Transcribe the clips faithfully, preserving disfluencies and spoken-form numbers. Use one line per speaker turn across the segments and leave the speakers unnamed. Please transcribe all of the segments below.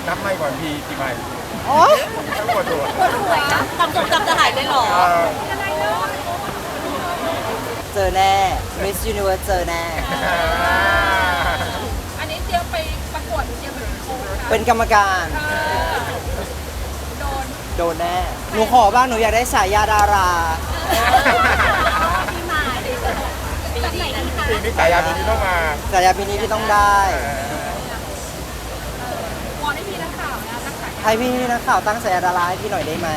นับไม่ก่อนพีกี่ใบ
โอ้
ทั้งหมดตัว
จำจำจำจะหายได้หรอ
เออ
เจอแน่ Miss Universe เจอแน่
อันนี้เตรียมไปประกวดหรือเตรียมไปโชว์คะ
เป็นกรรมการ
โดน
โดนแน่ หนูขอบ้างหนูอยากได้ฉายาดารา
ที่มาปีนี้นะคะ
ปีนี้ฉายาปีนี้ต้องมา
ฉายาปีนี้ที่ต้องได้
วอนให้พี่นักข่าวนะตั้งใจ
ให้พี่นักข่าวตั้งฉายาดาราให้พี่หน่อยได้ไหม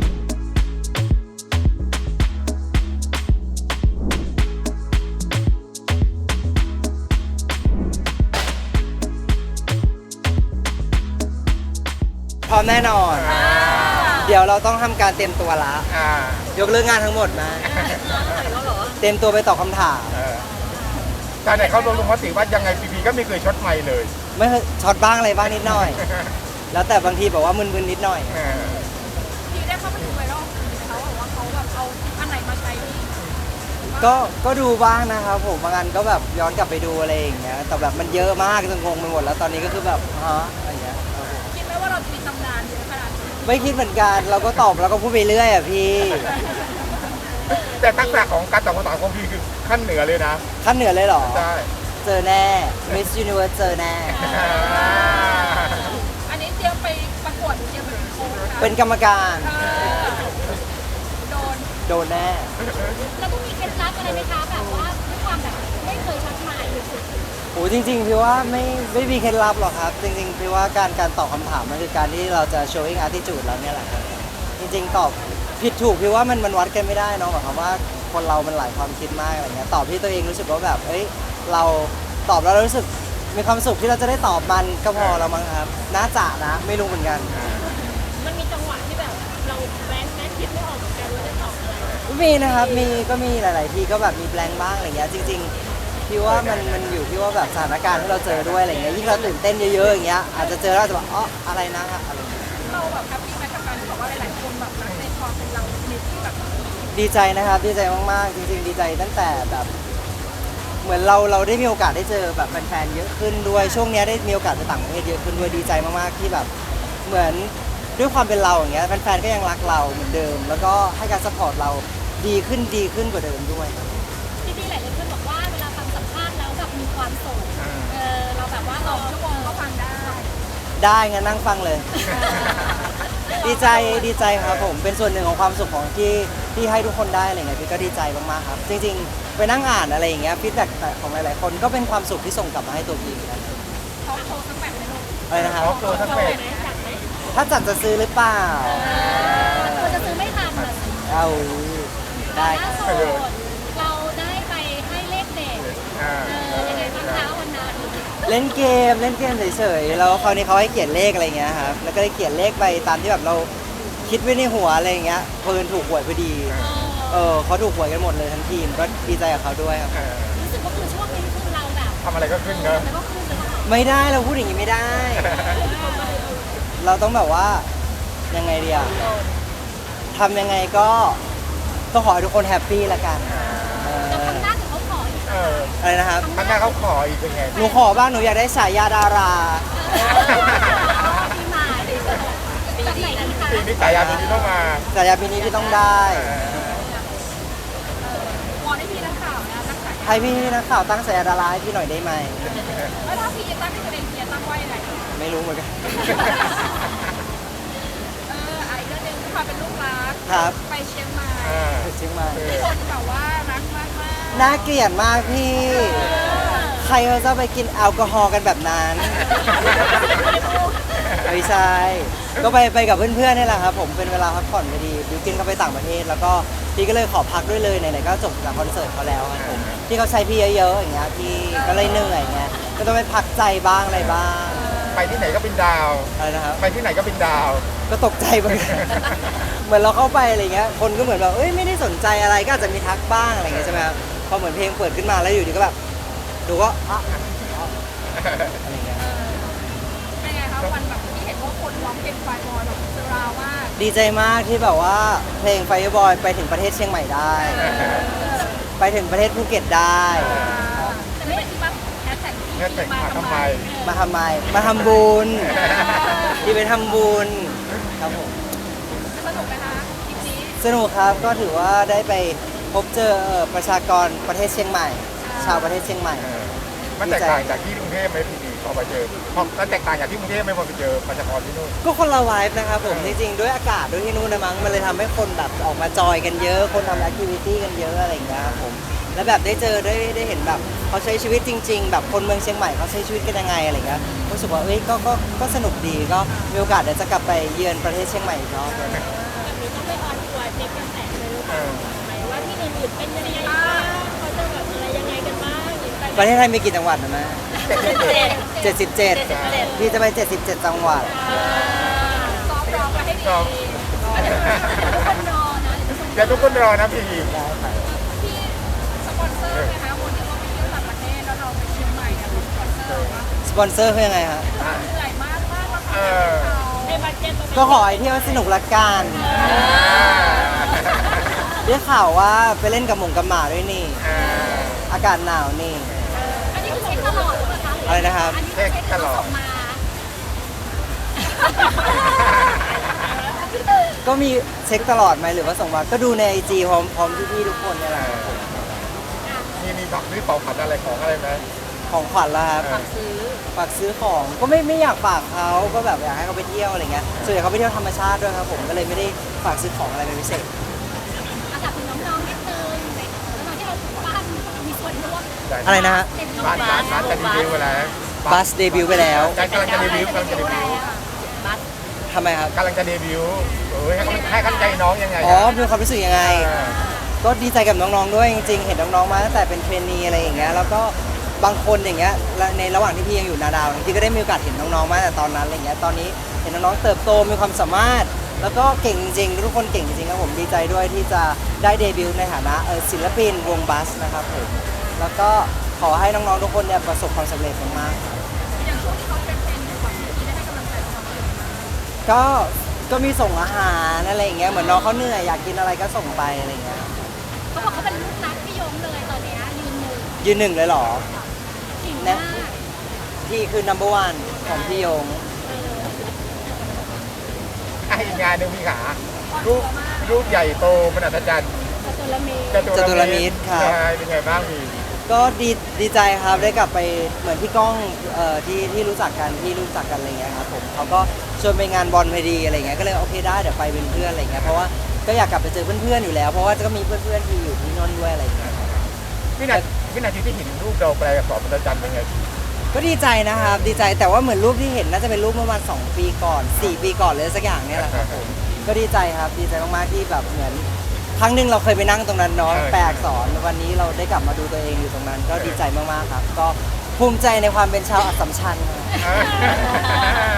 พร้อมแน่นอน เดี๋ยวเราต้องทำการเตรียมตัวละ
อ่าย
กเลิกงานทั้งหมดนะ
แล้วเหรอ
เตรียมตัวไปตอบคำถาม
เออการไหนเขาลงลงมติว่ายังไงพีพีก็ไม่เคยช็อตไม่เลย
ไม่เคยช็อตบ้างอะไรบ้างนิดหน่อย แล้วแต่บางทีแบบว่ามึนๆนิดหน่อย
เออ
พี่ได้เข้าไปดูไวรัลเขาบอกว่าเขาแบบเอาอันไหนมาใช้นี่
ก็ก็ดูบ้างนะครับผมบางอันก็แบบย้อนกลับไปดูอะไรอย่างเงี้ย แต่แบบมันเยอะมากจนงงไปหมดแล้วตอนนี้ก็คือแบบฮะอะไรอย่างเงี้ยครับผม
คิดไหมว่าเราจะมีตำนานเยอะขนาดนี้
ไม่คิดเหมือนกัน เราก็ตอบแล้วก็พูดไปเรื่อยอ่ะพี่
แต่ทักษะของการตอบคำถามของพีคือขั้นเหนือเลยนะ
ขั้นเหนือเลยเหรอ
ใช่
เจอแน่ Miss Universe เจอแน่
อ่า
อันนี้เตรียมไปประกวดหรือเตรียมไปโชว์คะ
เป็นกรรมการ
โดน
โดนแน่
แล้วก็มีเคล็ดลับอะไรไหมคะแบบว่าด้วยความแบบไม่เคยชักไม้หรือ
โอ้จริงๆพี่ว่าไม่ไม่มีเคล็ดลับหรอกครับ จริงๆพี่ว่าการการตอบคำถามมันคือการที่เราจะ showing attitude แล้วเนี่ยแหละครับจริงๆตอบผิดถูกพี่ว่ามันมันวัดกันไม่ได้เนอะหมายความว่าคนเรามันหลายความคิดมากอะไรเงี้ยตอบที่ตัวเองรู้สึกว่าแบบเอ้ยเราตอบแล้วเรารู้สึกมีความสุขที่เราจะได้ตอบมันก็พอแล้วมั้งครับน่าจะนะไม่รู้เหมือนกัน
มันมีจังหวะที่แบบเราแบงค์แบงค์คิดไม่ออกเหมือนกันว่าจะตอบอะไร
ก็มีนะครับมีก็มีหลาย ๆ ทีก็แบบมีแบงค์บ้างอะไรเงี้ยจริงๆพี่ว่ามันมันอยู่ที่ว่าแบบสถานการณ์ที่เราเจอด้วยอะไรเงี้ยยิ่งเราตื่นเต้นเยอะ ๆ อย่างเงี้ยอาจจะเจอแล้วอาจจะแบบอ๋ออะไรนะอะไรเงี้ย
เราแบบแฮปปี้ไหมกับการที่บอกว่าหลายๆคนแบบรักในความเป็นเราในที่แบบ
ดีใจนะครับดีใจมากๆจริง ๆ ดีใจตั้งแต่แบบ เหมือนเราเราได้มีโอกาสได้เจอแบบแฟนๆเยอะขึ้นด้วยช่วงเนี้ยได้มีโอกาสไปต่างประเทศเยอะขึ้นด้วยดีใจมากๆที่แบบเหมือนด้วยความเป็นเราอย่างเงี้ยแฟนๆก็ยังรักเราเหมือนเดิม แล้วก็ให้การซัพพอร์ตเราดีขึ้นดีขึ้นกว่าเดิมด้วยครับ
พี่ๆหลายๆคนบอกว่าเวลาฟังสัมภาษณ์แล้วแบบมีความสุขเออเราแบบว่าสองชั่วโมงก็ฟังได้
ได้งั้นนั่งฟังเลย ดีใจดีใจครับผมเป็นส่วนหนึ่งของความสุขของที่ที่ให้ทุกคนได้อะไรเงี้ยพี่ก็ดีใจมากๆครับ จริงๆ ไปนั่งอ่านอะไรอย่างเงี้ยฟีดแบ็กของหลายๆคนก็เป็นความสุขที่ส่งกลับมาให้ตัวพี่เหมือนกัน
เขาโชว์สักแบบในโลก
อะไรนะครับ
ขอตัวทั้งเป็ด
จัดไหม
ถ้าจัดจะซื้อหรือเปล่า
ควรจะซื้อไม่ทันเลย
เอาได้ค
ล่า
รับ
สุดเราได้ไปให้เลขเด็ด
อ่า
เออยังไงบ้างคะวันนั้น
เล่นเกมเล่นเกมเฉยๆแล้วคราวนี้เขาให้เขียนเลขอะไรเงี้ยครับแล้วก็ได้เขียนเลขไปตามที่แบบเราคิดไว้ในหัวอะไรเงี้ยเพิ่นถูกหวยพอดีเออเขาถูกหวยกันหมดเลยทั้งทีมก็ดีใจกับเขาด้วยครับ
เออ
รู้สึกว่าคือช่วงนี้คือเราแบบ
ทำอะไรก็ขึ้นเนอะ
แล้วก็คือจะต้อง
ไม่ได้เราพูดอย่างนี้ไม่ได้ เราต้องแบบว่ายังไงดีอะทำยังไงก็ก็ขอให้ทุกคนแฮปปี้ละกันเอ
จะ
อ
ทำหน้าถึงเขาขออีก
เออ
อะไรนะครับ
ข้างหน้าเขาขออีกเป็นไง
หนูขอบ้างหนูอยากได้ฉายาดารา
ที่มาจากไหนกันคะ
ปีนี้ฉายาปีนี้ต้องมา
ฉายาปีนี้ที่ต้องได้
เออ
วอนให้พี่นักข่าวนะตั้งใจ
ให้พี่นักข่าวตั้งฉายาดาราให้พี่หน่อยได้ไหม
แล้วถ้าพี่จะตั้งเป็นตัวเองพี่จะตั้งว่ายังไง
ไม่รู้เหมือนกัน
เออไอ้เรื่องหนึงที่ความเป็นลูกรัก
ครับ
ไปเชียงใหม่
อ่า
เชียงใหม่
คนแบบว่ารักมากมาก
น่าเกลียดมากพี่ ใครเขาจะไปกินแอลกอฮอล์กันแบบนั้นไม่ใช่ก็ไปไปกับเพื่อนๆนี่แหละครับผมเป็นเวลาพักผ่อนพอดีบิวกินเขาไปต่างประเทศ แล้วก็พี่ก็เลยขอพักด้วยเลยไหนๆก็จบจากคอนเสิร์ตเขาแล้วครับผมที่เขาใช้พี่เยอะๆอย่างเงี้ยพี่ก็เลยเหนื่อยเงี้ยก็ต้องไปพักใจบ้างอะไรบ้าง
ไปที่ไหนก็เป็นดาว
อะไรนะครับ
ไปที่ไหนก็เป็นดาว
ก็ตกใจเหมือนกัน เหมือนเราเข้าไปอะไรเงี้ยคนก็เหมือนแบบเอ้ยไม่ได้สนใจอะไรก็อาจจะมีทักบ้างอะไรเงี้ยใช่ไหมครับพอเหมือนเพลงเปิดขึ้นมาแล้วอยู่ดีก็แบบดูก็อ่ะอะไรเงี้ย
เป็นไงคะวันแบบที่เห็นว่าคนร้องเพลงไฟบอลแบบเซราวมาก
ดีใจมากที่แบบว่าเพลง Fireboy ไปถึงประเทศเชียงใหม่ได้ ไปถึงประเทศภูเก็ตได้
แต่ไม่เป็นที่ว่าแฮชแท็ก
แฮชแท็กมาทำไม
มาทำไม มาทำบุญทำบุญครับผม
สนุกไหมคะทริปนี้
สนุกครับก็ถือว่าได้ไปพบเจอเอ่อประชากรประเทศเชียงใหม่ ชาวประเทศเชียงใหม่
เออมันแตกต่างจากที่กรุงเทพไหมพี่พอไปเจอพอมันแตกต่างจากที่กรุงเทพไหมพอไปเจอประชากรที่นู่น
ก็คนละไวฟ์นะครับผม
เอ
จ
อ
ริงๆด้วยอากาศด้วยที่นู่นนะมั้งมันเลยทำให้คนแบบออกมาจอยกันเยอะ คนทำแอคทิวิตี้กันเยอะอะไรอย่างเงี้ยครับผมแล้วแบบได้เจอได้ได้เห็นแบบเขาใช้ชีวิตจริง ๆ แบบคนเมืองเชียงใหม่เขาใช้ชีวิตกันยังไงอะไรเงี้ยรู้สึกว่าเอ้ยก็ก็ก็สนุกดีก็มีโอกาสเดี๋ยวจะกลับไปเยือนประเทศเชียงใหม่อีกรอบเลย
แบบนี้ต้องไปออนทัวร์เช็คกระแสเลยหรือเป
เอ
ล่า
อ
หมายว่าที่อื่นๆเป็นยังไงบ้างเขาจะแบบอะไรยังไงกันบ้างหรือไป
ประเทศไทยมีกี่จังหวัดนะแม่
เจ็ดเจ็ด
เจ็ดสิบเจ็ด
เจ็ดเจ็ด
พี่จะไปเจ็ดสิบเจ็ดจังหวัด
ซ้อมร้องมาให้ดี
ซ้อม
เดี๋ยวทุกคนรอนะ
เดี๋ยวทุกคนรอนะพี่
ที่สปอนเซอร์ไงคะคนที่เขาไปเที่ยวต่างประเทศแล้วเราไปเชียงใหม่เนี่ยสปอนเซอร์ว่า
สปอนเซอร์คือยังไงฮะ
อ่ะ
เหนื่อยมากมากแล้ว
เอ
ค่ะ
อ
ในบัตเจ็ตตรงนี้
ก็ขอให้เที่ยวสนุกละกัน
อ่า
ได้ข่าวว่าไปเล่นกับหมงกับหมาด้วยนี่
อ่า
อากาศหนาวนี่
อันนี้คือเช็คตลอดหรือเปล่าคะ
อะไรนะครับ
อันนี้คือเช็คตลอดมา
ก็มีเช็คตลอดไหมหรือว่าส่งมาก็ดูในไอจีพร้อมพร้อมพี่ๆทุกคนเนี่ยแหละ
มีมีของมีเป่าขัดอะไรของอะไรไหม
ของขวัญละครับ
ฝาก
ซื้อ
ฝากซื้อของก็ไม่ไม่อยากฝากเขาก็แบบอยากให้เขาไปเที่ยวอะไรเงี้ยส่วนใหญ่เขาไปเที่ยวธรรมชาติด้วยครับผมก็เลยไม่ได้ฝากซื้อของอะไรเป็นพิเศษ
อาถามถึงน้องๆนิดนึงในน้องๆที่เราบ้านมีส่วนร่วม
อะไรนะฮะ
เป็นน้อง
บ้านบ้านบ้านจะดีวิวไปแล้ว
บัสเดบิวต์ไปแล้ว
กำลังจะเดบิวต์กำลังจะเดบิวต์
บัส
ทำไมครับ
กำลังจะเดบิวต์เออให้กำลังให้กำลังใจน้องยังไง
อ๋อมีความรู้สึกยังไง
เออ
ก็ดีใจกับน้องๆด้วยจริงๆ เห็นน้องๆมาตั้งแต่เป็นเทรนนีอะไรอย่างเงี้ยแล้วก็บางคนอย่างเงี้ยและในระหว่างที่พี่ยังอยู่นาดาวจริงๆก็ได้มีโอกาสเห็นน้องๆมาตั้งแต่ตอนนั้นอะไรเงี้ยตอนนี้เห็นน้องๆเติบโตมีความสามารถ แล้วก็เก่งจริงๆทุกคนเก่งจริงๆครับผมดีใจด้วยที่จะได้เดบิวต์ในฐานะเอ่อศิลปินวงบัสนะครับผมแล้วก็ขอให้น้องๆทุกคนเนี่ยประสบความสำเร็จมากๆครับ
อย่างช่วงที่เขาเป็นเป็นอยู่ฝั่งนี้ได้ให้กำลังใจเขาไหม
ก็ก็มีส่งอาหารอะไรอย่างเงี้ยเหมือนน้องเขาเหนื่อยอยากกินอะไรก็ส่งไปอะไรอย่างเงี้ย
เขาบอกเขาเป็นลูกรักพี่ยงเลยตอนเนี้ยยืนหนึ่ง
ยืนหนึ่งเลยเหรอ
เก่งมาก
พี่คือ number one ของพี่ยง
อ่ะอีกงานหนึ่งพี่ขารูปรูปใหญ่โตมันอัศจรรย์
จตุรมี
จตุรมิตร
ครับ
ใช่เป็นไงบ้างพี่
ก็ดีดีใจครับได้กลับไปเหมือนพี่ก้องเอ่อที่ที่รู้จักกันที่รู้จักกันอะไรเงี้ยครับผมเขาก็ชวนไปงานบอลพอดีอะไรเงี้ยก็เลยโอเคได้เดี๋ยวไปเป็นเพื่อนอะไรเงี้ยเพราะว่าก็อยากกลับไปเจอเพื่อนๆอยู่แล้วเพราะว่าก็มีเพื่อนๆที่อยู่ที่นนท์ด้วยอะไรเงี้ยครับ
วินาทีวินาทีที่เห็นรูปเราแปลอักษรมันอัศจรรย์เป็นไง
ก็ดีใจนะครับดีใจแต่ว่าเหมือนรูปที่เห็นน่าจะเป็นรูปเมื่อประมาณสองปีก่อนสี่ปีก่อนเลยสักอย่างเนี่ยแหละครับผมก็ดีใจครับดีใจมากๆที่แบบเหมือนครั้งหนึ่งเราเคยไปนั่งตรงนั้นเนาะแปลอักษรวันนี้เราได้กลับมาดูตัวเองอยู่ตรงนั้น ก็ดีใจมากๆครับ ก็ภูมิใจในความเป็นชาวอัสสัมชัญครับ
เออ